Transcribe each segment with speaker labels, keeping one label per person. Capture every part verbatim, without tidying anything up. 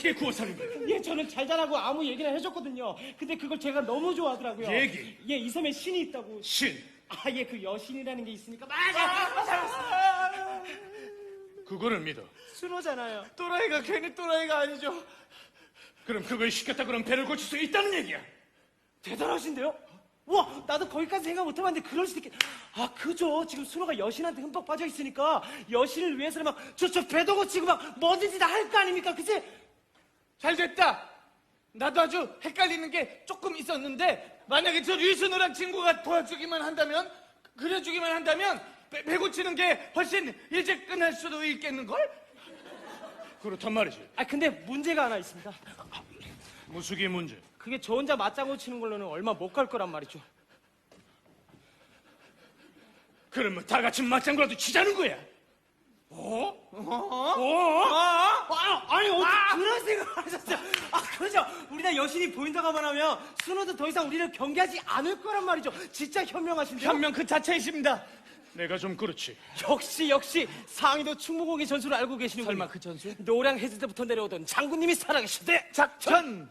Speaker 1: 어떻게 구워 사는 거야?
Speaker 2: 예, 저는 잘 자라고 아무 얘기나 해줬거든요. 근데 그걸 제가 너무 좋아하더라고요.
Speaker 1: 얘기?
Speaker 2: 예, 이 섬에 신이 있다고.
Speaker 1: 신.
Speaker 2: 아, 예, 그 여신이라는 게 있으니까. 맞아! 맞아!
Speaker 1: 그거를 믿어.
Speaker 2: 순호잖아요.
Speaker 3: 또라이가 괜히 또라이가 아니죠.
Speaker 1: 그럼 그걸 시켰다 그럼 배를 고칠 수 있다는 얘기야.
Speaker 2: 대단하신데요? 와, 나도 거기까지 생각 못 해봤는데 그럴 수도 있겠. 아, 그죠. 지금 순호가 여신한테 흠뻑 빠져 있으니까 여신을 위해서는 막 저 저 배도 고치고 막 뭐든지 다 할 거 아닙니까, 그치?
Speaker 3: 잘 됐다. 나도 아주 헷갈리는 게 조금 있었는데 만약에 저 류순우란 친구가 도와주기만 한다면, 그려주기만 한다면 배, 배 고치는 게 훨씬 일찍 끝날 수도 있겠는걸?
Speaker 1: 그렇단 말이지.
Speaker 2: 아, 근데 문제가 하나 있습니다.
Speaker 1: 무수기 문제.
Speaker 2: 그게 저 혼자 맞장구 치는 걸로는 얼마 못 갈 거란 말이죠.
Speaker 1: 그러면 다 같이 맞장구라도 치자는 거야.
Speaker 3: 어? 어?
Speaker 1: 어?
Speaker 2: 아, 아니, 어떻게 그런 생각을 하셨어요? 아, 그죠. 우리 다 여신이 보인다고만 하면 순호도 더 이상 우리를 경계하지 않을 거란 말이죠. 진짜 현명하신데요?
Speaker 3: 현명 그 자체이십니다.
Speaker 1: 내가 좀 그렇지.
Speaker 2: 역시 역시 상의도 충무공의 전술을 알고 계시는군요.
Speaker 3: 설마 그 전술?
Speaker 2: 노량 해질 때부터 내려오던 장군님이 살아계시대.
Speaker 3: 작전!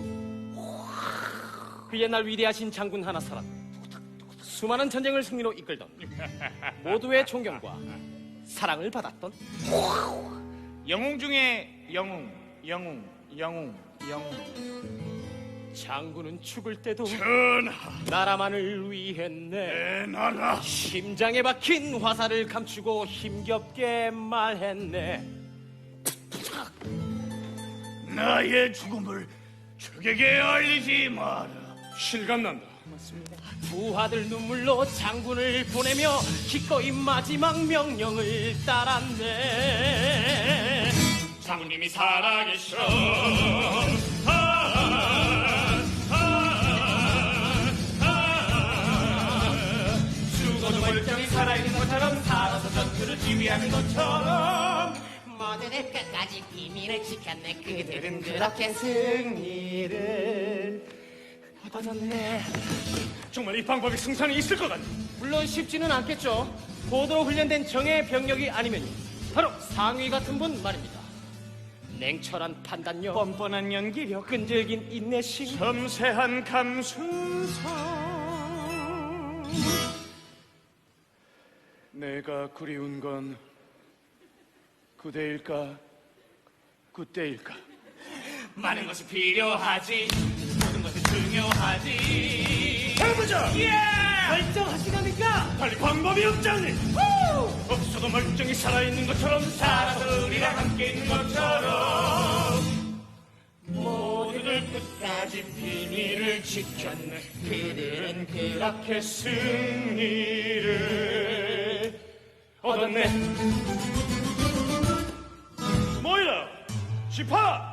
Speaker 2: 그 옛날 위대하신 장군 하나사람, 수많은 전쟁을 승리로 이끌던, 모두의 존경과 사랑을 받았던
Speaker 3: 영웅 중에 영웅, 영웅, 영웅, 영웅.
Speaker 2: 장군은 죽을 때도
Speaker 1: 전하,
Speaker 2: 나라만을 위했네.
Speaker 1: 내 나라.
Speaker 2: 심장에 박힌 화살을 감추고 힘겹게 말했네.
Speaker 1: 나의 죽음을 적에게 알리지 마라. 실감난다.
Speaker 2: 부하들 눈물로 장군을 보내며 기꺼이 마지막 명령을 따랐네.
Speaker 1: 장군님이 살아계셔. 아, 아, 아.
Speaker 2: 죽어도 멀쩡히 살아있는 것처럼 살아서 전투를 지휘하는 것처럼
Speaker 4: 모두들 끝까지 비밀을 지켰네. 그들은
Speaker 2: 그렇게 승리를 얻었네.
Speaker 1: 정말 이 방법이 승산이 있을 것 같네.
Speaker 2: 물론 쉽지는 않겠죠. 고도로 훈련된 정예 병력이 아니면 바로 상위 같은 분 말입니다. 냉철한 판단력,
Speaker 3: 뻔뻔한 연기력,
Speaker 2: 끈질긴 인내심,
Speaker 1: 섬세한 감수성. 내가 그리운 건 그대일까 그때일까.
Speaker 3: 많은 것이 필요하지, 모든 것이 중요하지.
Speaker 1: 해보자.
Speaker 2: 결정하시갑니까?
Speaker 1: 빨리 방법이 없잖니. 없어도 멀쩡히 살아있는 것처럼
Speaker 3: 살아서 우리랑 함께 있는 것처럼
Speaker 1: 모두들 끝까지 비밀을 지켰네. 그들은 그렇게 승리를 얻었네. 모이라, 지파!